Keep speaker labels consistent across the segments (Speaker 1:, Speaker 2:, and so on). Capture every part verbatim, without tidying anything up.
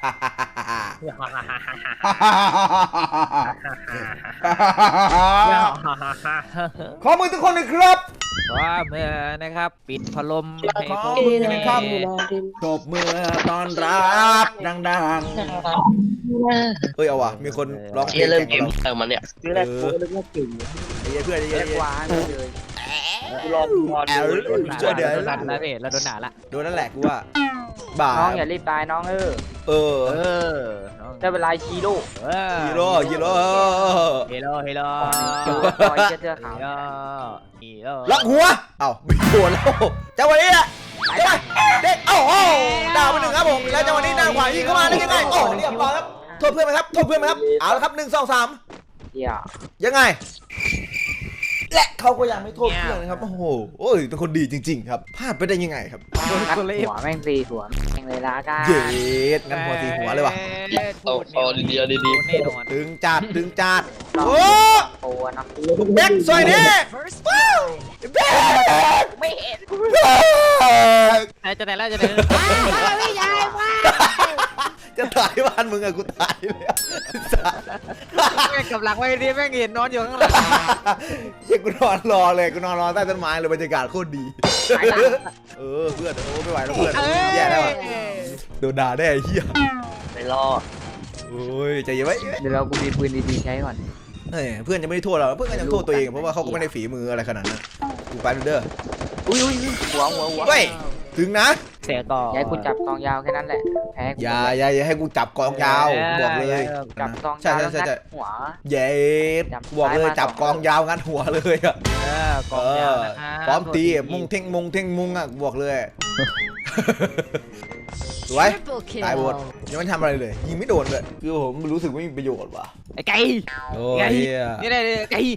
Speaker 1: ขอมือทุกคนเลยครับ
Speaker 2: ขอมือนะครับปิดพัดลมให้
Speaker 1: ขอ
Speaker 2: ผม
Speaker 1: มือนะครับตบมือตอนรับดังๆเฮ้ยเอาว่ะมีคนร้องเพลง
Speaker 3: เริ่ม
Speaker 1: แข่ง
Speaker 3: เก
Speaker 1: กับเรา
Speaker 3: มเติมมันเนี่ย
Speaker 4: คือแรกกูนึกว่าเก่ง
Speaker 1: ไอ้เพื่อนไอ้เพื่อน
Speaker 4: หวานเลยกูรอรอ
Speaker 1: แอล
Speaker 4: ดู
Speaker 1: ช่วยเดี๋ยว
Speaker 2: โดนด่าแล้วพี่เราโดนด่าละ
Speaker 1: โดนนั่นแหละกูว่าบ่า
Speaker 4: น้องอย่ารีบตายน้องเออ
Speaker 1: เออ
Speaker 2: เออน้อง
Speaker 4: ได้เวลาฮีโร่
Speaker 2: เออ
Speaker 1: ฮีโร่ฮีโร่
Speaker 2: ฮีโร่ฮีโร่
Speaker 4: ต่อยเสื้อขาว
Speaker 2: ฮีโร่ฮีโร่
Speaker 1: ล็อกหัวเอ้าไม่โดนแล้วจังหวะนี้แหละเด็กเด็กโอ้โหดาวไปหนึ่งครับผมแล้วจังหวะนี้นางขวายิงเข้ามาได้ยังไงโอ้เรียบร้อยครับโทษเพื่อนไหมครับโทษเพื่อนไหมครับเอาละครับหนึ่งสองสาม
Speaker 4: เหี้ย
Speaker 1: ยังไงและเขาก็ยังไม่โทษเพื่อนนะครับโอ้โหโอ้ยเป็นคนดีจริงๆครับพลาดไปได้ยังไงครับ
Speaker 4: งัดหัวแม่งตีหัวแม่งเลยละกัน
Speaker 1: เย็ดงั้นหัวตีหัวเลยว่ะ
Speaker 3: โอ้โหดีๆดีๆ
Speaker 2: แน่นอน
Speaker 1: ดึงจัดดึงจัด
Speaker 4: น้อง
Speaker 1: โอ้
Speaker 4: โอ้เนาะ
Speaker 1: แบ็คสวยดิว้าวแบ็ค
Speaker 4: ไม่เห็น
Speaker 2: ไอ้จะไหนแล้วจะไหน
Speaker 4: ไม่ใช่ว่า
Speaker 1: จะตายบ้านมึงอะกูตายแล้ว
Speaker 2: แม่งกับหลังไว้ดิแม่งเห็นนอนอยู่ข้างหลัง
Speaker 1: เฮ้ยกูนอนรอเลยกูนอนรอใต้ต้นไม้เลยบรรยากาศโคตรดีเออเพื่อนโอ้ไม่ไหวแล้วเพื่อนแย่แล้วอะโดนด่าได้ไอ้เหี้ย
Speaker 3: ไม่รอด
Speaker 1: โอ้ยใจเย็นไว้
Speaker 4: เดี๋ยวเรากูมีปืนดีๆใช้ก่อน
Speaker 1: เฮ้ยเพื่อนจะไม่ได้โทษเราเพื่อนก็ยังโทษตัวเองเพราะว่าเขาก็ไม่ได้ฝีมืออะไรขนาดนั้นกูไปเด้อ
Speaker 4: อุ้ยอุ้ยหัวหัวหัว
Speaker 1: เฮ้ยถึงนะ
Speaker 2: เสียก่อน
Speaker 4: ย้ายกูจับกองยาวแค่นั้นแหละแพ้
Speaker 1: อย่าอย่าอย่าให้กูจับกองยาวบอกเลย
Speaker 4: จับกอง
Speaker 1: ใช่
Speaker 4: ยาว
Speaker 1: ใช่
Speaker 4: แล้ว
Speaker 1: ใช่
Speaker 4: งั
Speaker 1: ใช่
Speaker 4: ดหัว
Speaker 1: เย็ดบอกเลยจับกองยาวงัดหัวเลยอะ
Speaker 2: เออกองยาวนะครับ
Speaker 1: พร้อมตีมุงเท่งมุงเท่งมุงอ่ะบอกเลยสวยตายหมดยังไม่ทำอะไรเลยยิงไม่โดนเลยคือผมรู้สึกไม่มีประโยชน์ว่ะ
Speaker 2: ไอ้ไก่
Speaker 1: โอ้
Speaker 2: ไก่
Speaker 1: ย
Speaker 2: นี่ได้ไก่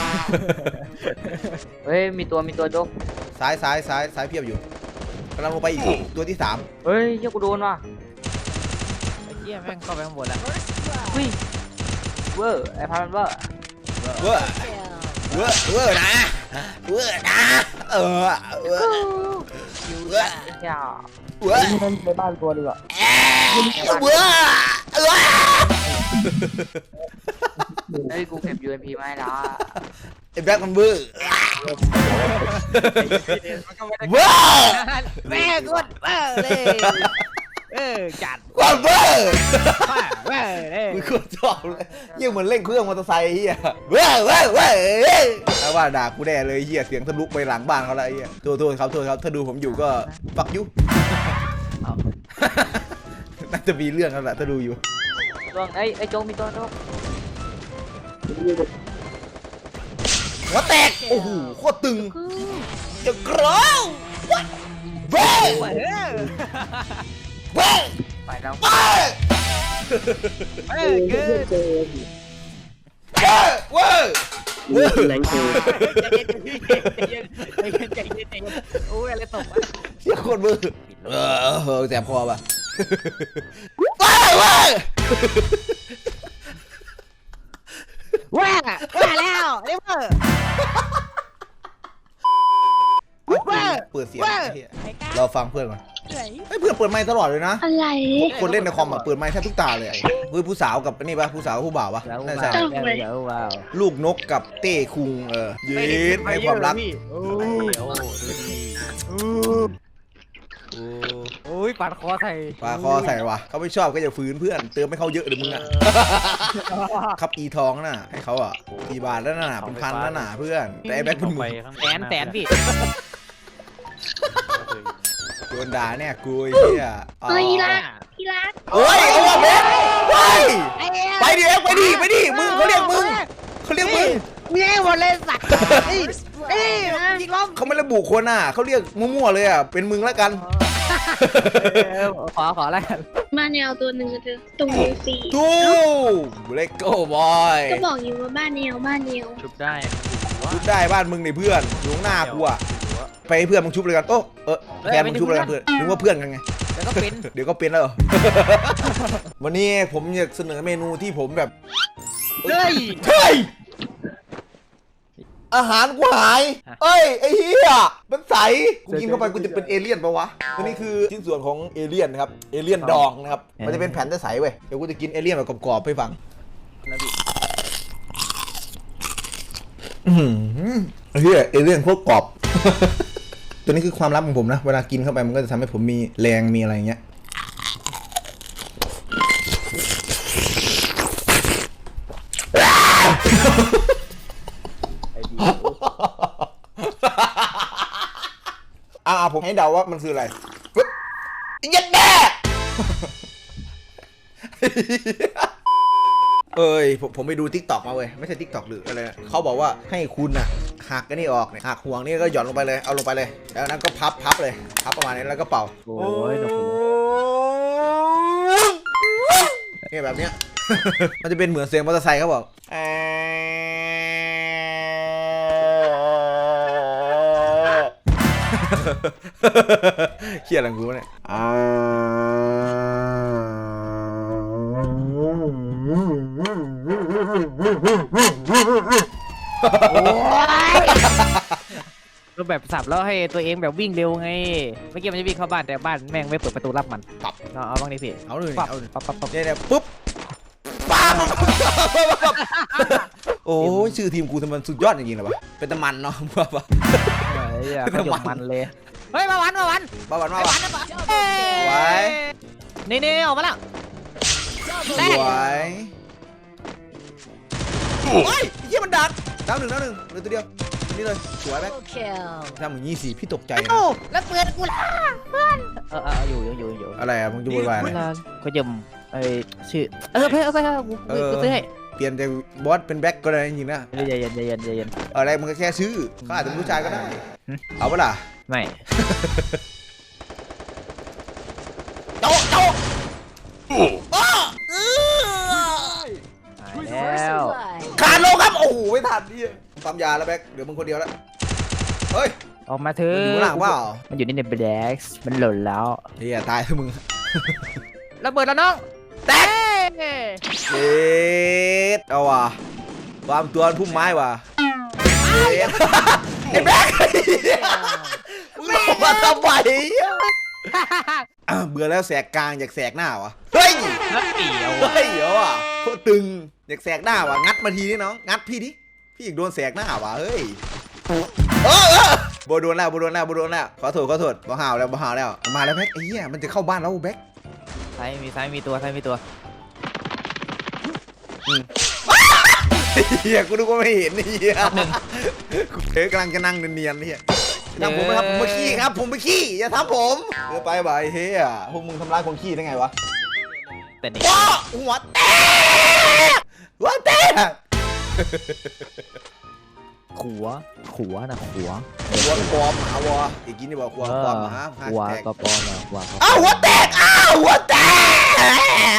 Speaker 4: เฮ้ยมีตัวมีตัวโจ๊ก
Speaker 1: ซ้ายซ้ายซ้ายซ้ายเพียบอยู่กำลังลงไปอีกตัวที่สาม
Speaker 4: เฮ้ยเจ้ากูโดนว่ะ
Speaker 2: ไอ้เหี้ยแม่งเข้าไปข้างบนแล้ว
Speaker 4: อุ้ยเวอร์ไอ้พันเวอร์
Speaker 1: เว้อเว้อเว้อนะเว้อนะเออเว้อเว้อ
Speaker 4: อย่า
Speaker 1: เว้อ
Speaker 4: มันไปบ้านตัวดีกว่า
Speaker 1: เว้อเว้อ
Speaker 4: เฮ้ยกูเก็บ ยู เอ็ม พี มาให้แล้ว
Speaker 1: ไอ้แบ็คมันเว้อ
Speaker 2: มันก็ไม่ได้
Speaker 1: เว้อ
Speaker 2: แม่งกดเออเลยเออจัด
Speaker 1: ความเว้อ
Speaker 2: ว่าเว้ยเลย
Speaker 1: กูโคตรชอบเลยยิ่งเหมือนเล่นเครื่องมอเตอร์ไซค์เฮียเว้ยเว้ยเว้ยถ้าว่าด่ากูแน่เลยเฮียเสียงทะลุไปหลังบ้านเขาแล้วเฮียโทษโทษครับโทษครับถ้าดูผมอยู่ก็ปักยุน่าจะมีเรื่องแล้วแหละถ้าดูอยู่
Speaker 4: ตัวไอ้ไอ้โจ๊กมีตัวโจ๊ก
Speaker 1: หัวแตกโอ้โหโคตรตึงจะกรองเว้ย
Speaker 2: เว้ย
Speaker 1: เว้ย
Speaker 4: ไปแล้ว
Speaker 1: เว้ย
Speaker 2: เอ้ยคือ
Speaker 1: เว้ยเว้ยเว้ย
Speaker 3: แรงเกิน
Speaker 2: ใจเย็นใจเย็นใจเย็นใจเย็นใจเย็นโอ้ยอะไรตกวะ
Speaker 1: เชี่ยโคตรมือเออแสบคอป่ะเว้ยเว้ย
Speaker 2: ว้าว้าแล้วเรียกว่า
Speaker 1: เปิดเสียงเราฟังเพื่อนก่อนเฮ้ยเพื่อนเปิดไมค์ตลอดเลยนะ
Speaker 5: อะไร
Speaker 1: คนเล่นในคอมอ่ะเปิดไมค์แทบทุกตาเลยเฮ้ยผู้สาวกับนี่ปะผู้สาวกับผู้บ่าวปะ
Speaker 2: แล้ว
Speaker 1: น่า
Speaker 2: ว้า
Speaker 1: ใช่
Speaker 2: วแล้วว้าว
Speaker 1: ลูกนกกับเต้คุงเออเย็นให้ความรัก
Speaker 2: โอ้โหดูดี
Speaker 1: โอ้
Speaker 2: โอ้ยปาดคอใส่
Speaker 1: ปลาคอใส่วะเขาไม่ชอบก็อย่าฝืนเพื่อนเติมให้เขาเยอะเลยมึงอ่ะครับอีทองน่ะให้เขาอ่ะกี่บาทแล้วน่ะเป็นพันแล้วน่ะเพื่อนแต่ไอ้แบ็คเป็นหมื่น
Speaker 2: แสนแสนพี่
Speaker 1: โดนด่าเนี่ยกูไอ้เหี้ย
Speaker 5: เฮ้ยรักพี่รัก
Speaker 1: เฮ้ยเอาว่ะเบสไปไปดิเอ็กไปดิไปดิมึงเขาเรียกมึงเขาเรียกมึง
Speaker 2: มีให้หมดเลยสัตว์เอ้ยเอ้ยยิงล้อม
Speaker 1: เขาไม่ระบุคนน่ะเขาเรียกมั่วๆเลยอ่ะเป็นมึงแล้วกัน
Speaker 2: ขอขอแล้วกัน
Speaker 5: มาแนวตัวหนึ่งเธอตรงนี้สี่
Speaker 1: ทูเลโก้บอย
Speaker 5: ก็บอกอยู่ว่าบ้านแนวบ้านแนว
Speaker 2: ชุบได้
Speaker 1: ชุบได้บ้านมึงนี่เพื่อนอยู่ข้างหน้ากูอ่ะไปให้เพื่อนมึงชุบเลยกันโอ้เออแฟนมึงชุบเลยกันเพื่อนนึกว่าเพื่อนกันไง
Speaker 2: แล้วก็เป็น
Speaker 1: เดี๋ยวก็เป็นแล้วเหรอ วันนี้ผมอยากเสนอเมนูที่ผมแบบ
Speaker 2: เฮ้ย
Speaker 1: เฮ้ยอาหารกูหายเอ้ยไอ้เหี้ยมันใสกูกินเข้าไปกูจะเป็นเอเลี่ยนปะวะอันนี้คือชิ้นส่วนของเอเลี่ยนนะครับเอเลี่ยนดองนะครับมันจะเป็นแผ่นใสๆเว้ยเดี๋ยวกูจะกินเอเลี่ยนแบบกรอบๆให้ฟังอืมเฮียเอเลี่ยนโคตรกรอบ ตัวนี้คือความลับของผมนะเวลากินเข้าไปมันก็จะทำให้ผมมีแรงมีอะไรอย่างเงี้ยอ่าผมให้เดาว่ามันคืออะไรยัดแม่เอ้ยผมผมไปดูทิกตอกมาเว้ยไม่ใช่ทิกตอกหรืออะไรเขาบอกว่าให้คุณอะหักกันนี่ออกเนี่ยหักห่วงนี่ก็หย่อนลงไปเลยเอาลงไปเลยแล้วนั้นก็พับพับเลยพับประมาณนี้แล้วก็เป่าโอ้ยเนี่ยแบบเนี้ย มันจะเป็นเหมือนเสียงมอเตอร์ไซค์เขาบอกเครียดอะไรกูเนี่ย
Speaker 2: รูปแบบสับแล้วให้ตัวเองแบบวิ่งเร็วไงเมื่อกี้มันจะวิ่งเข้าบ้านแต่บ้านแม่งไม่เปิดประตูรับมันปับเอาเอาบ้างดิพี่
Speaker 1: เอาเลย
Speaker 2: ปับ
Speaker 1: เอาเลย
Speaker 2: ปับปับปับ
Speaker 1: เนี่ยเนี่ยปุ๊บป้าโอ้ยชื่อทีมกูทำไมสุดยอดจริงๆเลยวะเป็นตะมันเนาะบ้าปะ
Speaker 2: เฮ้ยขยมมันเลยเฮ้ยมาวันมาวัน
Speaker 1: บ้าวันมา
Speaker 2: มา
Speaker 1: วั
Speaker 2: วัน
Speaker 1: น
Speaker 2: นะปะ
Speaker 1: ไว้
Speaker 2: นี่นี่ออกมาแล้ว
Speaker 1: สวยโอ้ยเยี่ยมันดักดาวหนึ่งดาวหนึ่งเหลือตัวเดียวนี่เลยสวยแม็กทำอย่างนี้สิพี่ตกใจนะ
Speaker 2: แล้วเปิดกูละเพื่อนเออเอออยู่อยู่อยู่อยู่
Speaker 1: อะไรอะมึงจะวุ่นวายอะไร
Speaker 2: ขยมไอชื่อเออไปเอาไปเอากูกูซื้อให้
Speaker 1: เปลี่ยนจากบอสเป็นแบ็คก็ได้จริงๆนะ
Speaker 2: เย็นเย็นเย็นเย็นเย็น
Speaker 1: อะไรมึงก็แค่ชื่อเขาอาจจะเป็นผู้ชายก็ได้เอาปะล่ะ
Speaker 2: ไม่
Speaker 1: โจ๊ะโจ๊ะ
Speaker 2: แล้ว
Speaker 1: ขาดลงครับโอ้โหไม่ทันดิปั๊มยาแล้วแบ็คเหลือมึงคนเดียวแล้วเฮ้ย
Speaker 2: ออกมาเถ
Speaker 1: มัน
Speaker 2: อะ
Speaker 1: อยู่ข้างหลังเปล่า
Speaker 2: มันอยู่ในแบล็กซ์มันหล่นแล้ว
Speaker 1: เฮียตายแล้วมึง
Speaker 2: ระเบิดแล้วน้องแตก
Speaker 1: เจ็ดเอาว่ะความตัวพุ่มไม้ว่ะเจ็ดไอ้แบ็คมึงบอกมาทำไมอ่ะเบื่อแล้วแสกกลางอยากแสกหน้าวะเฮ้ย
Speaker 2: นัดเดียว
Speaker 1: เฮ้ยเดี๋ยวอ่ะโคตรตึงอยากแสกหน้าวะงัดมาทีนี่น้องงัดพี่ดิพี่อยากโดนแสกหน้าวะเฮ้ยเออเออโบโดนแล้วโบโดนแล้วโบโดนแล้วขอโทษขอโทษบ่ห่าวแล้วบ่ห่าวแล้วมาแล้วแบ็คไอ้เหี้ยมันจะเข้าบ้านแล้วแบ็ค
Speaker 2: ซ้ายมีซ้ายมีตัวซ้ายมีตัว
Speaker 1: เฮียกูนึกว่าไม่เห็นเฮียกูเฮ้ยกำลังจะนั่งเนียนๆเฮียทำผมไหมครับผมมาขี้ครับผมไปขี้อย่าทำผมเดี๋ยวไปบ่ายเฮียพวกมึงทำร้ายคนขี้ได้ไงวะ
Speaker 2: แต่นี่
Speaker 1: ว้าหัวแตกหัวแตก
Speaker 2: ขัวขัวนะขัว
Speaker 1: หัวปลอมหมาวะอีกกินนี่บอกหัวปลอมหมา
Speaker 2: ขัวก็ปอมนะขัว
Speaker 1: อ้าวหัวแตกอ้าวหัวแตก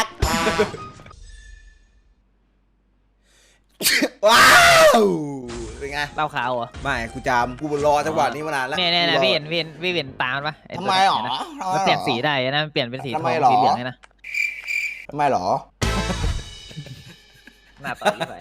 Speaker 1: ว้าวเป็นไง
Speaker 2: เล่าขาวเหรอ
Speaker 1: ไม่กูจำกูรอจังหวะนี้มานานแล้ว
Speaker 2: เนี่ยเนี่ยเนี่ยพี่เห็นพี่เห็นพี่เห็นตามปะ
Speaker 1: ทำไมหรอ
Speaker 2: มันเปลี่ยนสีได้นะมันเปลี่ยนเป็นสีท
Speaker 1: ทำ
Speaker 2: อ
Speaker 1: ไม
Speaker 2: ง
Speaker 1: หรอ
Speaker 2: สีเหลืองเลยนะ
Speaker 1: ทำไมหรอ
Speaker 2: หน้าตาอีกไป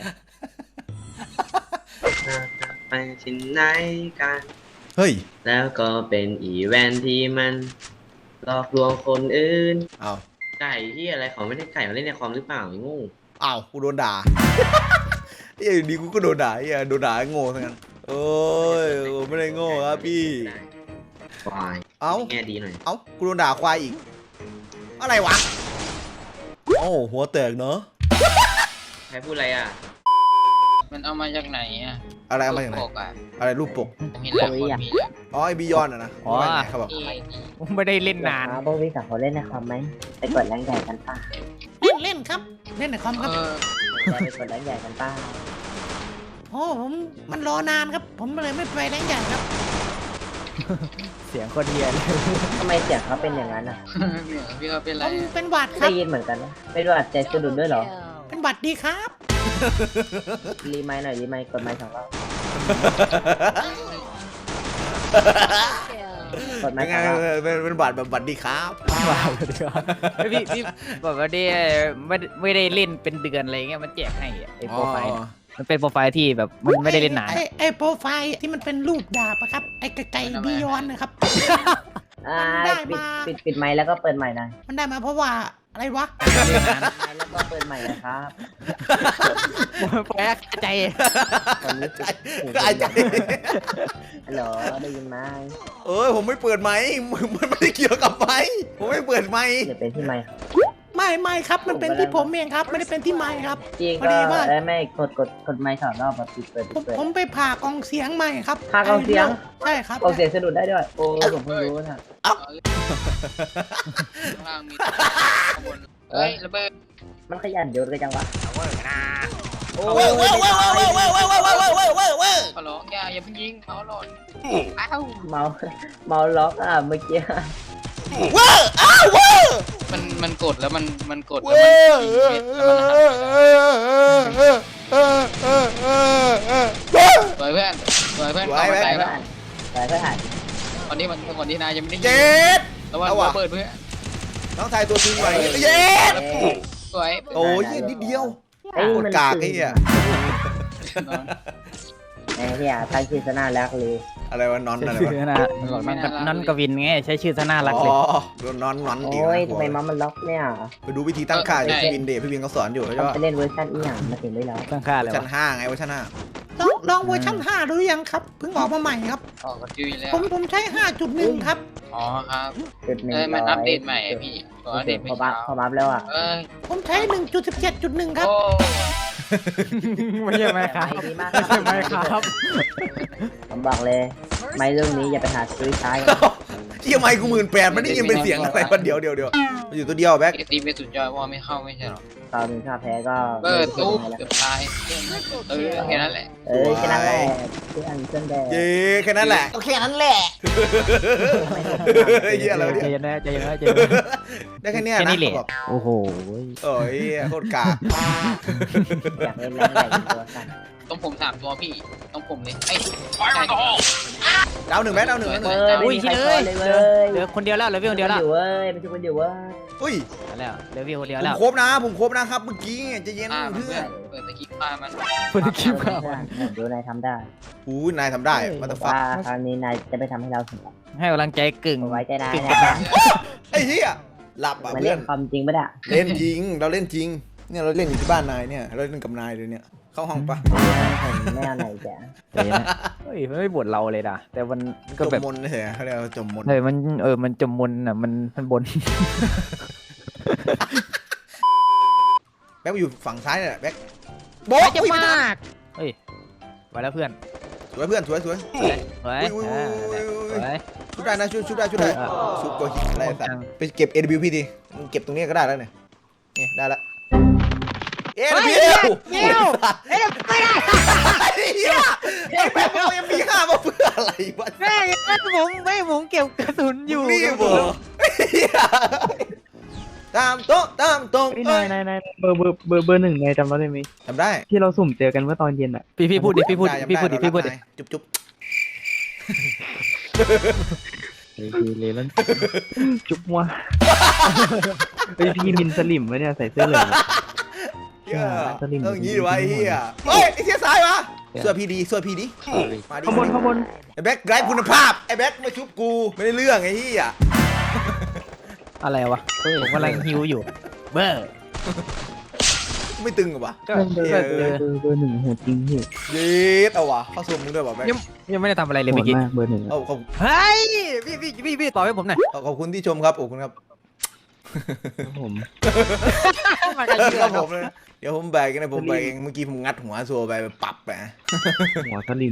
Speaker 3: ไปที่ไหนกัน
Speaker 1: เฮ้ย
Speaker 3: แล้วก็เป็นอีเวนท์ที่มันหลอกลวงคนอื่น
Speaker 1: เอา
Speaker 3: ไก่ที่อะไรเขาไม่ได้ไก่มาเล่นในคอมหรือเปล่าไอ้โงู
Speaker 1: เอากูโดนด่า ไอ้ดีกูก็โดนด่าไอ้โดนด่าโง่ทั้งนั้นโอ้ยไม่ได้โง่ครับพี่
Speaker 3: ควาย
Speaker 1: เอ้า
Speaker 3: แง่ดีหน่อย
Speaker 1: เอ้ากูโดนด่าควายอีก อะไรวะโอ้หัวแตกเนาะ
Speaker 3: ใครพูดอะไรอ่ะ
Speaker 6: มันเอามาจากไหนอ่ะ
Speaker 1: อะไรเอามาจากไหน
Speaker 6: ปกอ่ะ
Speaker 1: อะไรรูปปก
Speaker 6: ผมเห็นแล้วคนมีแล้ว
Speaker 1: อ๋อไอบียอนอะนะว่าไงเขาบอก
Speaker 6: นี่
Speaker 2: ไม่ได้เล่นนาน
Speaker 4: พวกพี่สองคนเล่นในคอมไหมไปกดแรงใหญ่กันป่ะ
Speaker 6: เล่นเล่นครับ เล่นในคอมครับ
Speaker 4: ไปกดแรงใหญ่กันป่ะ
Speaker 6: โอ้ผมมันรอนานครับ ผมเลยไม่ไปแรงใหญ่ครับ
Speaker 2: เสียงคนเฮียเลย
Speaker 4: ทำไมเสียงเขาเป็นอย่างนั้นอ่ะ
Speaker 6: พี่เขาเป็นอะไรผมเป็นหวัดครั
Speaker 4: ได้
Speaker 6: บ
Speaker 4: ยินเหมือนกันนะไม่รู้อาจใจสะดุดด้วยเหรอ
Speaker 6: เป็นหวัดดีครับ
Speaker 4: รีไมค์หน่อยรีไมค์กดไมค์สองรอบกดไม
Speaker 1: เป็น
Speaker 4: ค์
Speaker 1: ไง
Speaker 4: สองรอบ
Speaker 1: เป็นเป็นบัตรแบบบัตรดีครับ
Speaker 2: ว้าวดีกว่าพี่พี่บอกว่าดิไม่ไม่ได้เล่นเป็นเดือนอะไรเงี้ยมันแจกให้ไอ้โปรไฟล์มันเป็นโปรไฟล์ที่แบบมันไม่ได้เล่นนาน
Speaker 6: ไอ้ไอ้โปรไฟล์ที่มันเป็นรูปดาบอะครับไอ้ไก่ไก่บียอนนะครับ
Speaker 4: อ่า
Speaker 6: ได้
Speaker 4: ปิด
Speaker 6: มา
Speaker 4: ปิดปิดไมค์แล้วก็เปิดใหม่หน่อย
Speaker 6: มันได้มาเพราะว่าอะไรวะ
Speaker 4: ปิดไมค์แล้วก็เปิดใหม่นะครับ
Speaker 2: แปลกใจ
Speaker 4: ตอนนี้ปิดหู
Speaker 1: ไอ้ใจ
Speaker 4: ฮัลโหลได้ยินไหม
Speaker 1: เอ้ยผมไม่เปิดไมค์มันไม่ได้เกี่ยวกับไมค์ผมไม่เปิดไมค์
Speaker 4: เดี๋ยวเป็นที่ไมค์
Speaker 6: ไม่ไม่ครับมันเป็นที่ผมเองครับไม่ได้เป็นที่ไมค์ครับ
Speaker 4: จริง
Speaker 6: พอ
Speaker 4: ก็
Speaker 6: ดีว่า
Speaker 4: เอ้ยไม่กดกดกดไมค์สองรอบแบบปิดเปิด
Speaker 6: ผ
Speaker 4: ปิด
Speaker 6: ม
Speaker 4: เปิด
Speaker 6: ผมไปผ่ากองเสียงใหม่ครับ
Speaker 4: ผ่ากองเสียง
Speaker 6: ใช่ครับ
Speaker 4: กดเสียงสะดุดได้ด้วยโอ้ผมเพิ่งรู้นะ
Speaker 7: ข้างมีข้างบนเฮ้ยระเบิด
Speaker 4: มันขยันโยนกันจังวะ
Speaker 1: โอ้ยเว้ยเว้ยเว้ยเว้ยเว้ยเว้ยเว้ยเว้ยเว้ยเว้ยเว้ย
Speaker 7: ขอร้องอย่าอย่าเพิ่งยิงเขาหล่นอ้าว
Speaker 4: เมาเมาล็อกอ่ะเมื่อกี้
Speaker 1: เว้ยอ้าวเว้ย
Speaker 7: มันมันกดแล้วมันมันกดแล้ว
Speaker 1: เว้
Speaker 7: มัน
Speaker 1: ย
Speaker 7: ยิงเม็ดแล้วมันหักสวยเพื่อนสวยเพื่อนเข้ามาใจ
Speaker 4: ไป
Speaker 7: แล้ว
Speaker 4: ผ่านไปเพื่อถ่าย
Speaker 7: ตอนนี้มันตอนนี้นายยังไม่ได้ยิง
Speaker 1: เจ็ด
Speaker 7: ระวัง
Speaker 1: เอาว่ะ
Speaker 7: ระเบิดเพื่อน
Speaker 1: น้องชายตัวจริงไหวเจ็ด
Speaker 7: สวย
Speaker 1: โอ้ยนิดเดียว
Speaker 4: เอ้ย
Speaker 1: โคต
Speaker 4: มั
Speaker 1: ร
Speaker 4: น
Speaker 1: กากไอ้เหี้ย
Speaker 4: ไอ้เหี้ยทางชื่อซะน่ารักเลย
Speaker 1: อะไรวะนอนอะไร
Speaker 2: ชื่
Speaker 1: วะ
Speaker 2: อนะมันบอกนอนนอนกวินไงใช้ชื่อซะน่ารัก
Speaker 1: อ๋
Speaker 2: เลย
Speaker 1: อโดนนอนนอนดี
Speaker 4: โอ้ยทำไมเมาส์มันล็อกเนี่ย
Speaker 1: ไปดูวิธีตั้งค่าจากพี่วินเดชพี่วินเขาสอนอยู่ใช่
Speaker 4: ต้อง
Speaker 1: ปะ
Speaker 4: ไปเล่นเวอร์ชันอีหยังมาถึงได้แล้ว
Speaker 2: ตั้งค่าเลยวะ
Speaker 1: ชั้นห้าไงว่าชั้นห้า
Speaker 6: ลองลองเวอร์ชันห้าดูหรือยังครับเพิ่งออกมาใหม่ครับ
Speaker 7: ออกกระจุยแล้ว
Speaker 6: ผมผมใช้ห้าจุดหนึ่งครับ
Speaker 7: อ๋อครับ
Speaker 4: จุดหนึ่ง
Speaker 7: เอ้ยมันอัปเดตใหม่อะพี่ตัวอัปเดต
Speaker 4: พ
Speaker 7: ไม่
Speaker 4: อบัฟ
Speaker 7: เช้า
Speaker 4: พอบัฟแล้วอ่ะ
Speaker 7: เอ้ย
Speaker 6: ผมใช้หนึ่งจุดสิบเจ็ดจุดหนึ่งครับ
Speaker 7: โอ้
Speaker 2: ไม่ใช่ไหมครับ
Speaker 4: ดีมาก
Speaker 2: ไม่ใช่ไหมครับ
Speaker 4: ผมบอกเลย ไม่เรื่องนี้อย่าไปหาซื้อใช้
Speaker 1: เที่ยไมค์กูหมื่นแปดมันได้ยินเป็นเสียงอะไรวะเดี๋ยวเดี๋ยวเดี๋ยวมันอยู่ตัวเดียวแบ็ค
Speaker 7: เอตีไปสุดยอดว่าไม่เข้าไม่ใช่หรอ
Speaker 4: ตอนนี้ถ้าแพ้ก็
Speaker 7: เปิดตู้
Speaker 4: ไม่
Speaker 7: เกือบตายเออแค่นั้นแหละ
Speaker 4: เออแค่นั้นแหละเพื่อนเพื่อนแดง
Speaker 1: เย้แค่นั้นแหละ
Speaker 6: โอเคนั้นแหละ
Speaker 1: เฮ้ยเหี้ยอะไรวะ
Speaker 2: ใจ
Speaker 1: เนี่ย
Speaker 2: เย็นนะใจเย็นนะใจเย็นนะ
Speaker 1: ได้แค่เนี้ย
Speaker 2: แค่
Speaker 1: นะ
Speaker 2: นี้แหละ
Speaker 1: บอก
Speaker 2: โอ้โห
Speaker 1: โอ้ยโคตรกาก
Speaker 4: อยากเล่นแรงใหญ่เป็นตัวสั่น
Speaker 7: ต้องผมสามตัวพี่ต้องผมเลยไอ้
Speaker 1: ดาวหนึ่งไหมดาวหนึ่งดาวห
Speaker 4: เอ
Speaker 1: นึ่ง
Speaker 4: อ
Speaker 2: อุ้ย
Speaker 4: ไม่
Speaker 2: ชิ
Speaker 4: มี
Speaker 2: เล
Speaker 4: ใคร
Speaker 2: ย
Speaker 4: เลย
Speaker 2: เห
Speaker 4: เว้
Speaker 2: ลือย เหลือคนเดียวแล้วเหลือพี่คนเดียวแล้ว
Speaker 4: อยู่เว้ยไม่ใช่คนเดียวเว้ย
Speaker 1: อุ้ย
Speaker 2: แล้วเหลือพี่คนเดียว
Speaker 1: ผ
Speaker 2: แล้
Speaker 1: ม
Speaker 2: ว
Speaker 1: ครบนะผมครบนะครับเมื่อกี้ใจะเย็น
Speaker 7: ฆ่ามัน
Speaker 1: เพื่
Speaker 7: เพื่
Speaker 1: อ
Speaker 7: อน นเปิดตะกี้ฆ่ามัน
Speaker 2: คนที่คิดว่า
Speaker 4: ดูนายทำได้
Speaker 1: อู้ยนายทำได้มาตฟัก
Speaker 4: ว่าคราวนี้นายจะไปทำให้เราสำเร็จ
Speaker 2: ให้กำลังใจกึ่ง
Speaker 4: ไว้ใจนาย
Speaker 2: กึ่ง
Speaker 4: นะ
Speaker 2: กดดัน
Speaker 1: ไอ้เหี้ยหลับอ่ะ
Speaker 4: มา
Speaker 1: เพื่
Speaker 4: เล่
Speaker 1: อน
Speaker 4: นความจริงปะเนี่ย
Speaker 1: เล่นจริงเราเล่นจริงเนี่ยเราเล่นอยู่ที่บ้านนายเนี่ยเราเล่นกับนายเลยเนี่ยเข้าห้องปะ
Speaker 4: ผมไม่เอาไหนแก
Speaker 2: ใจเย็นนะเฮ้ยมันไม่บ่นเราเลยนะแต่มันก็
Speaker 1: จ
Speaker 2: แบบ
Speaker 1: มมนเฉยๆเขาเรียกว่าจมมน
Speaker 2: เฮ้ยมันเออมันจมมนอ่ะมันมันบน
Speaker 1: แบ็คอยู่ฝั่งซ้ายเนี่ยแบ็คโบ๊ะ
Speaker 2: จะ
Speaker 1: อุ้ย
Speaker 2: มากเฮ้ยไปแล้วเพื่อน
Speaker 1: สวยเพื่อนสวยสวย
Speaker 2: เฮ้ย
Speaker 1: อุ้ยอุ้ยอุ้ยอุ้ย
Speaker 2: เฮ้ย
Speaker 1: ชุบได้นะชุบชุบได้ชุบได้
Speaker 2: เออ
Speaker 1: ชุบตัวหินอะไรสัต
Speaker 2: จัง
Speaker 1: ว์ไปเก็บ เอ ดับเบิลยู พี ดิมึงเก็บตรงนี้ก็ได้แล้วเนี่ยเนี่ยได้ละ เอ ดับเบิลยู
Speaker 6: เดี๋ยวเอ้ยไม่ได้
Speaker 1: ไอ้เหี้ยไอ้แม่งเอา เอ็ม พี ห้ามาเพื่ออะไรวะ
Speaker 2: แม่ไม่ผมไม่ผมเก็บกระสุนอยู่
Speaker 1: นี่เหรอไอ้เหี้ยตามโต๊ะตามตรง
Speaker 8: พี่
Speaker 1: เอ้
Speaker 8: นาย
Speaker 1: ย
Speaker 8: นายนายเบอร์เบอร์เบอร์เบอร์หนึ่งนายจำเราได้ไหม
Speaker 1: ทำได้
Speaker 8: ที่เราสุ่มเจอกันเมื่อตอนเย็นอ่ะ
Speaker 2: พี่พี่พูดดิพี่พูด
Speaker 1: จำไ
Speaker 2: พี่พูดดิ
Speaker 1: จำ
Speaker 2: พี่พูดดิ
Speaker 1: เรารักนายจุ๊บจุ๊บ
Speaker 8: เฮ้ยคือเลลัน จุ๊บมัวเฮ้ยพี่มินสลิมวะเนี่ยใส่เสื้อเหลือง
Speaker 1: เหี้ย
Speaker 8: สลิม
Speaker 1: เอออย่างงี้ดีวะไอ้เหี้ยเฮ้ยไอ้เหี้ยซ้ายวะเสื้อพี่ดีเสื้อพี่ดีมาดิ
Speaker 8: ข้างบนข้างบน
Speaker 1: ไอ้แบ็คไร้คุณภาพไอ้แบ็คมาชุบกูไม่ได้เรื่องไอ้เหี้ย
Speaker 2: อะไรวะผมกำลังฮิวอยู่เบอร์
Speaker 1: ไม่ตึงเหรอวะ
Speaker 2: ก็
Speaker 8: เบอร์
Speaker 2: ก็
Speaker 8: เบอร์เบอร์เบอร์หนึ่งโหดจริงพี่
Speaker 1: เย็ดเอาวะเข้าส่งมึงด้วยวะแบ็ค
Speaker 2: ยังไม่ได้ทำอะไรเลย
Speaker 8: โห
Speaker 2: เมื่
Speaker 8: ด
Speaker 2: อกี้
Speaker 8: มากเบอร์หนึ่งอะ
Speaker 1: เอาขอบ
Speaker 2: เฮ้ยพี่พี่พี่พี่ต่อให้ผมหน่อย
Speaker 1: ขอบคุณที่ชมครับขอบคุณครับ
Speaker 8: ครับผม
Speaker 1: ครับผมเลยเดี๋ยวผมแบกกันนะผมแบกเองเมื่อกี้ผมงัดหัวโซไปไปปรับไป
Speaker 8: หัวสลิม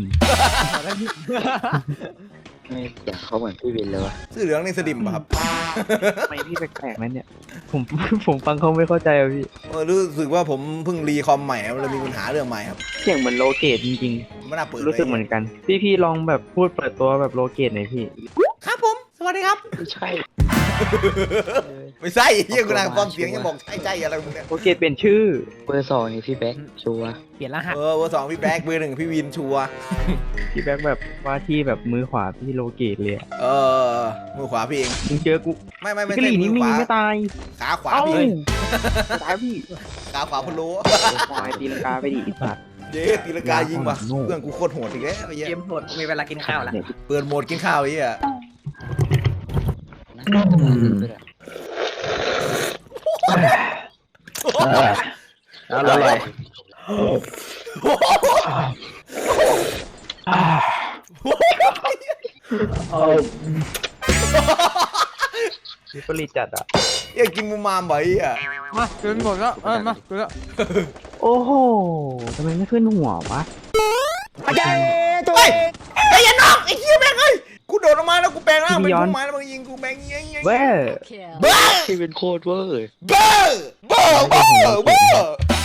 Speaker 9: ไม่อยากเขาเหมือนพี่วินเลยวะ
Speaker 1: เสื้อเหลืองนี่สดิมป่ะครับ
Speaker 8: ทำไมพี่แปลกๆนั่นเนี่ยผมผมฟังเขาไม่เข้าใจอ่ะพี่
Speaker 1: เออรู้สึกว่าผมเพิ่งรีคอมใหม่ครับเลยมีปัญหาเรื่องใหม่ครับ
Speaker 8: เสียงเหมือนโลเกตจริง
Speaker 1: ไม่น่าเปิด
Speaker 8: ๆ รู้สึกเหมือนกัน พี่พี่ลองแบบพูดเปิดตัวแบบโลเกตหน่อยพี่
Speaker 6: ครับผม สวัสดีครับ
Speaker 9: ไม่ใช่
Speaker 1: ไม่ใช่เฮียกูนางความเสียงยังบอกใช่ใช่อะไรมึงเนี่ย
Speaker 8: โลเกตเปลี่ยนชื่อ
Speaker 9: เบอร์สองนี่พี่แบ็คชัวร์
Speaker 2: เปลี่ยนรหัส
Speaker 1: เออเบอร์สองพี่แบ็คเบอร์หนึ่งพี่วินชัวร์
Speaker 8: พี่แบ็คแบบว่าที่แบบมือขวาพี่โลเกตเลยอะ
Speaker 1: เออมือขวาพี่เอง
Speaker 8: มึงเจอกู
Speaker 1: ไม่ไม่ไม่
Speaker 8: กะห
Speaker 1: ใช่
Speaker 8: รี่
Speaker 1: มื
Speaker 8: นี่
Speaker 1: อ
Speaker 8: มี
Speaker 1: ขวา
Speaker 8: ไม่ตาย
Speaker 1: ขาขวา
Speaker 8: เอ้า
Speaker 1: พี่
Speaker 8: ตายพี่
Speaker 1: ขาขวาพะโล้
Speaker 8: ตายตีลังกาไปดิไอ้สัตว์
Speaker 1: เย้ตีลังกายิงว่ะเพื่อนกูโคตรโหดอีกแล้วไอ้เหี้ย
Speaker 4: เกมโหดมีเวลากินข้าวละ
Speaker 1: เปิดโหมดกินข้าวไอ้เหี้ย
Speaker 8: อร่อยมีผลิตจัดอ่ะ
Speaker 1: เหี้ยกินมูมามบ่อยไอ้เหี้ย
Speaker 2: มากินหมดแล้วเออมากินแล้ว
Speaker 8: โอ้โหทำไมไม่ขึ้นหัววะ
Speaker 1: เฮ้ยไอ้ยันน้องไอ้เหี้ยแม่งเอ้ยกูโดดออกมาแล้วกูแปลงร่างเป็นผู้ไม้แล้วมึงยิงกูแบงยิงยิง
Speaker 8: เว้ย
Speaker 1: เบ้อ
Speaker 9: พี่เป็นโคตรเวอร์
Speaker 1: เบ้อเบ้อเบ้อเบ้อ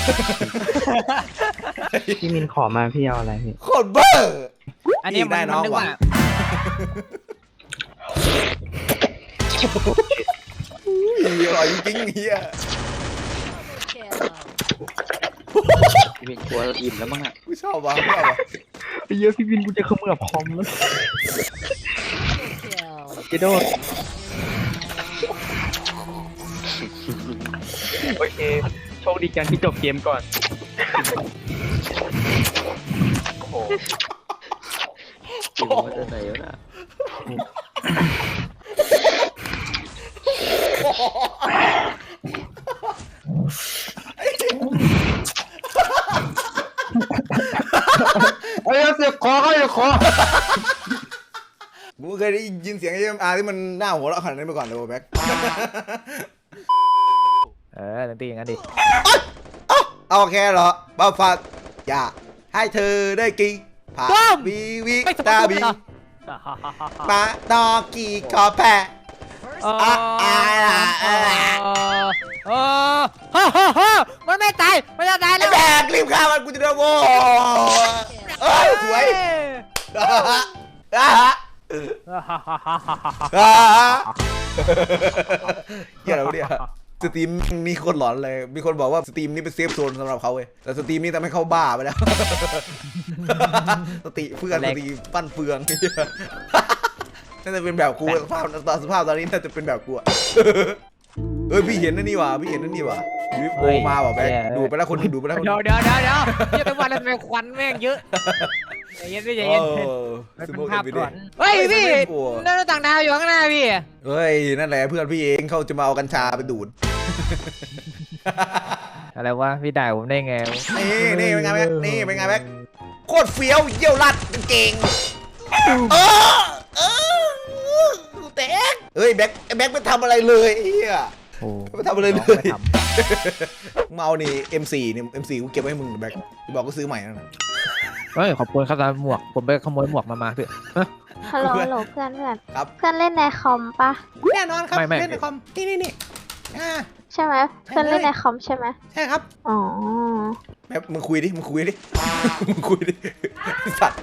Speaker 8: พี่มินขอมาพี่เอาอะไรพี่
Speaker 1: โคตรเบ้อ
Speaker 2: อันนี้มันมันนึกว่า
Speaker 1: อร่อยจริงๆเฮีย
Speaker 9: พี่เป็นกลัวอิ่มแล้วมั้งอ่ะ
Speaker 1: กูชอบว่ะชอบว่ะ
Speaker 8: เยอะพี่มินกูจะเขมือบคอมแล้วเจโดโอเคโชคดีกันที่จบเกมก่อนโอ้โห
Speaker 9: อิ่มมาจากไหนวะน่ะ
Speaker 8: เฮ้ยเสียบคอเขาเสียบคอ
Speaker 1: กูเคยได้ยินเสียงไอ้เอ็มอาร์ที่มันหน้าหัวเราะขนาดนี้มาก่อนเลยแบ็ค
Speaker 2: เออตีอย่างนั้นดิ
Speaker 1: เอาแค่เหรอบ้าฟักอย่าให้เธอได้กินผ่าบีวิตาบีปาดอกกี่กอแพ้
Speaker 2: เออเออเออฮ่าฮ่าฮ่ามันไม่ตายมันจะตาย
Speaker 1: ไอ้
Speaker 2: แล้ว
Speaker 1: แบกรีบฆ่ามันกูจะได้โว้เอ้ยสวยอ่าฮะอ่าฮะอ่าฮะเหี้ยอะไรวะเนี่ยสตรีมนี่โคตรหลอนเลยมีคนบอกว่าสตรีมนี่เป็นเซฟโซนสำหรับเขาเว้ยแต่สตรีมนี่ทำให้เขาบ้าไปแล้วสติเฟื่อนสติปั้นเฟืองน่าจะเป็นแบบกูสภาพตอนสภาพตอนนี้น่าจะเป็นแบบกูอะเอ้ยพี่เห็นนั่นนี่ว่ะพี่เห็นนั่นนี่ว่ะยูโอมาว่ะแบงดูไปแล้วคนดูไปแล้วคน
Speaker 2: เดี๋ยวเดี๋ยวเดี๋ยวเดี๋ยวเดี๋ยวแต่วันนั้นเป็นควันแม่งเยอะใจเย็นพี่ใจเย็นมันเป็นภาพก่อนเฮ้ยพี่นั่นต่างดาวอยู่ข้างหน้าพี่
Speaker 1: เฮ้ยนั่นแหละเพื่อนพี่เองเขาจะมาเอากัญชาไปดูด
Speaker 2: อะไรวะพี่ด่าผมได้ไง
Speaker 1: นี่นี่เป็นไงแบ๊กนี่เป็นไงแบ๊กโคตรเฟี้ยวเยี่ยวรัดเก่งเออเออแตกเฮ้ยแบ๊กแบ๊กไม่ทำอะไรเลยเฮีย
Speaker 2: โอ้
Speaker 1: ไม่ทำอะไรเลยเมานี่ เอ็ม โฟร์ นี่ เอ็ม โฟร์ กูเก็บไว้ให้มึงแบ๊กจะบอกก็ซื้อใหม่แล้วนะ
Speaker 2: เฮ้ยขอบคุณครับตามหมวกผมไปขโมยหมวกมามาพี่
Speaker 5: ฮัลโหลฮัลโหลเพื่อนเพื่อน
Speaker 1: ครับ
Speaker 5: เพื่อนเล่นในคอมปะ
Speaker 6: แน่นอนครับเล่นในคอมนี่นี่นี่อ่า
Speaker 5: ใช่ไหมเพื่อนเล่นในคอมใช่ไหม
Speaker 6: ใช่ครับ
Speaker 5: อ๋อ
Speaker 1: แบ๊กมึงคุยดิมึงคุยดิมึงคุยดิสัตว์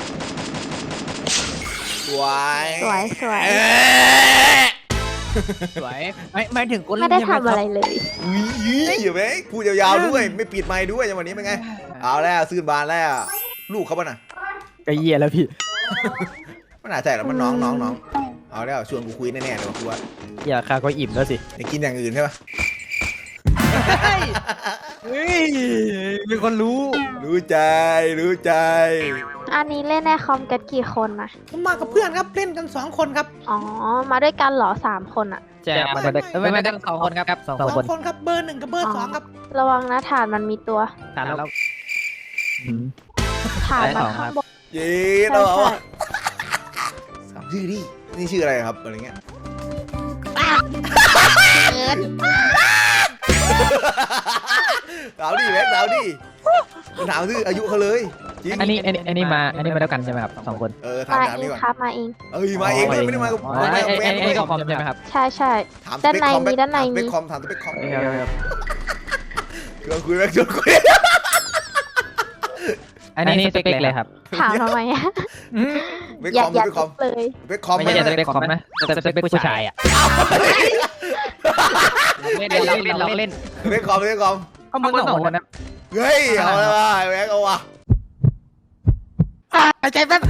Speaker 1: สวย
Speaker 5: สวยสวย
Speaker 1: เอ๊ะ
Speaker 2: สวยไม่ไม่ถึงคน
Speaker 5: ไม่ได้ทำอะไรเลย
Speaker 1: อุ้ยยี่อย่าแบ๊กพูดยาวๆด้วยไม่ปิดไมค์ด้วยจังหวะนี้เป็นไงเอาแล้วซื้อบานแล้วลูกเขาป่ะน่ะ
Speaker 2: กระเยียแล้วพี่
Speaker 1: มันน่าใจหรอมันน้องน้องน้องเอาแล้วชวนกูคุยแน่ๆเลยว่ะกูว่า
Speaker 2: อย่าคาก็อิ่มแล้วสิ
Speaker 1: อยากกินอย่างอื่นใช่ปะ
Speaker 2: เฮ้ยมีคนรู้
Speaker 1: รู้ใจรู้ใจ
Speaker 5: อันนี้เล่นในคอมกันกี่คนนะ
Speaker 6: ผมมากับเพื่อนครับเล่นกันสองคนครับ
Speaker 5: อ๋อ มาด้วยกันเหรอสามคนอะ
Speaker 2: แจกมาได้ไม่ไม่ได้สองคนครับสอง
Speaker 6: สอง
Speaker 2: คน
Speaker 6: คนครับเบอร์หนึ่งกับเบอร์สองครับ
Speaker 5: ระวังนะฐานมันมีตัว
Speaker 2: ฐานแล้ว
Speaker 5: ฐาน
Speaker 2: ได้
Speaker 5: มั
Speaker 2: ส
Speaker 5: น
Speaker 2: องครั
Speaker 5: ข้า
Speaker 2: บ
Speaker 5: งบน
Speaker 1: เย้
Speaker 5: ใช่
Speaker 1: เรา
Speaker 5: ใช่
Speaker 1: สามชื่อดินี่ชื่ออะไรครับอะไรเงี้ย
Speaker 5: เอิร์ธ
Speaker 1: สาวดิแม็กสาวดิมันถามชื่ออายุเขาเลยจริง
Speaker 2: อันนี้อันนี้อันนี้มาอันนี้มาแล้วกันใช่ไหมครับสองคน
Speaker 1: เออถาม
Speaker 5: มา
Speaker 1: ถาม
Speaker 5: เอ
Speaker 1: นี่
Speaker 5: ง
Speaker 1: ก่อน
Speaker 5: ครับมาเอง
Speaker 1: เอ้ยมาเองเลยไม่ได้มากับ
Speaker 2: อ๋อ
Speaker 1: ไม่ได้
Speaker 2: ไอ้
Speaker 1: มากับแฟ
Speaker 2: ไอ้
Speaker 1: น
Speaker 2: ไอ้ก็คอมใช่ไหมครับ
Speaker 5: ใช่ใช่
Speaker 1: ถาม
Speaker 5: ด้านใน
Speaker 1: สเปคคอม
Speaker 5: มีด้านใน
Speaker 1: ถามสเป
Speaker 5: มี
Speaker 1: คคอมถามสเปคคอม
Speaker 2: ครับครับ
Speaker 1: ชวนคุยแม็กชวนคุย
Speaker 2: อันนี้สเปคเลยครับ
Speaker 5: ถามทำไมอะ
Speaker 1: สเปค
Speaker 5: อ
Speaker 1: ค
Speaker 5: ยา
Speaker 1: อก ม
Speaker 5: อ
Speaker 1: ส
Speaker 5: ยาก
Speaker 1: เปคคอม
Speaker 5: เลย
Speaker 1: สเปคคอม
Speaker 2: ไม่ใช่สเปคคอมนะแต่สเปคผู้ชายอ่ะเล่นเล่นเล่นเล่น
Speaker 1: สเปคคอมสเปคคอม
Speaker 2: ก็มึงสองคนนะ
Speaker 1: เฮ้ยเอาเลยว่ะแม็กเอาว่ะ
Speaker 2: หายใจแป๊บ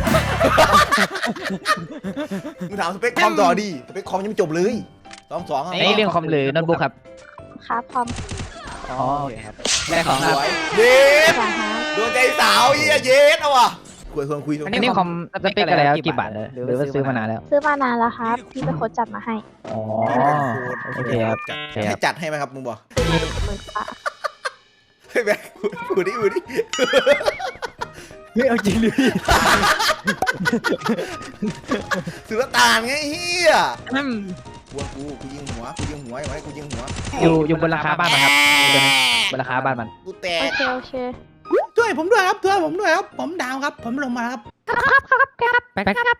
Speaker 1: มึงถามสเปคคอมต่อดิสเปคคอมยังไม่จบเลยสองสอง
Speaker 2: ไอ้เรื่องคอมหรือโน้ตบุ๊กครับ
Speaker 5: ครับพร้อม
Speaker 2: อ
Speaker 8: อ๋อโอเคครับ
Speaker 2: ได้ของ
Speaker 1: ส
Speaker 2: ครับ
Speaker 1: วยเย็ด
Speaker 5: สองฮะ
Speaker 1: โดนใจสาวเฮียเย็ดเอาว่ะคุยควรคุย
Speaker 2: อัน
Speaker 8: อัน
Speaker 2: นี้
Speaker 8: นี้
Speaker 2: ค
Speaker 8: ค
Speaker 2: อ
Speaker 8: อ
Speaker 2: ม
Speaker 8: ม
Speaker 2: ส
Speaker 8: ส
Speaker 2: เป
Speaker 8: เป
Speaker 2: ค
Speaker 8: ค
Speaker 2: อะ
Speaker 8: อะไร ไร
Speaker 2: ค
Speaker 8: ค
Speaker 2: รั
Speaker 8: รั
Speaker 2: บบ กี่
Speaker 8: กี่
Speaker 2: บา
Speaker 8: บา
Speaker 2: ท
Speaker 8: ท
Speaker 2: เล
Speaker 8: เลย ยหรือว่าซื้อมานานแล้ว
Speaker 5: ซื้อมานานแล้วครับ พี่เป็นคนจัดมาให้
Speaker 8: อ๋อโอเคครับโอเคค
Speaker 1: ให้
Speaker 8: รับ
Speaker 1: จัดให้ไหมครับมึงบอก
Speaker 5: หมื่นกว่า
Speaker 1: ให้แบงค์กูดิกูดิ
Speaker 8: ไม่เอาจริงดิพี่
Speaker 1: สุลต่านไงเฮีย
Speaker 2: อืม
Speaker 1: กูกูกูยิงหัวกูยิงหัวไอ้ไว้กูยิงหัว
Speaker 8: อยู่อยู่บนราคาบ้านมันครับอยู่บนราคาบ้านมัน
Speaker 1: กูแต
Speaker 5: โอก เคโอเค
Speaker 6: ช่วยผมด้วยครับช่วยผมด้วยครับ ผมดาวครับ ผมลงมาแล้วครับ
Speaker 2: ไปไปครับ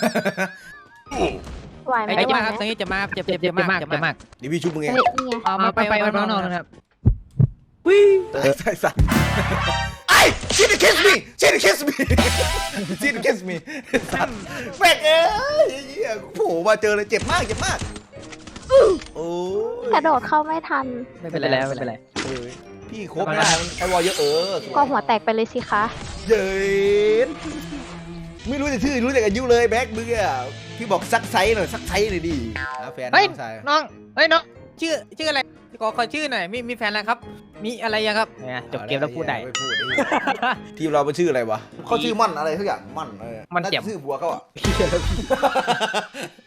Speaker 5: ไหวไหม
Speaker 2: ไอ้
Speaker 5: ไหว
Speaker 2: เจ็บ
Speaker 5: ไหม
Speaker 2: มากครับตรงนี้เจ็บมากเจ็บเจ็บเจ็บมากเจ็บมาก
Speaker 1: เดี๋ยวพี่ชุบมึงเอง
Speaker 5: เฮ้ยนี่ไง
Speaker 2: เอามาไปไปไปน้องๆนะครับ
Speaker 1: ใส่สัตว์ไอ้ชิดคิสมีชิดคิสมีชิดคิสมีสัตว์แม่งเอ้ยเฮียโผล่มาเจอเลยเจ็บมากเจ็บมากโอ้ย
Speaker 5: กระโดดเข้าไม่ทัน
Speaker 8: ไม่เป็นไรแล้วไม่เป็นไร
Speaker 1: เอ้ยพี่ครบนะไอ้วอลเยอะเออ
Speaker 5: ก็หัวแตกไปเลยสิคะ
Speaker 1: เย็นไม่รู้แต่ชื่อรู้แต่อายุเลยแบ็คมึงอ่ะพี่บอกซักไซส์หน่อยซักไซส์หน่อยดิหาแฟน
Speaker 2: เฮ้ย
Speaker 1: น้องชาย
Speaker 2: น้องเฮ้ยน้องชื่อชื่ออะไรขอขอชื่อหน่อยมีมีแฟนแล้วครับ มีอะไรยังครับเนี่ยจบเกมแล้วพูดได้
Speaker 1: ไม่พูดดิทีมเราเป็นชื่ออะไรวะเขาชื่อมั่นอะไรทุกอย่างมั่นเออ
Speaker 2: มั่นแจ่ม
Speaker 1: าจะชื่อบัวเขาอ่ะ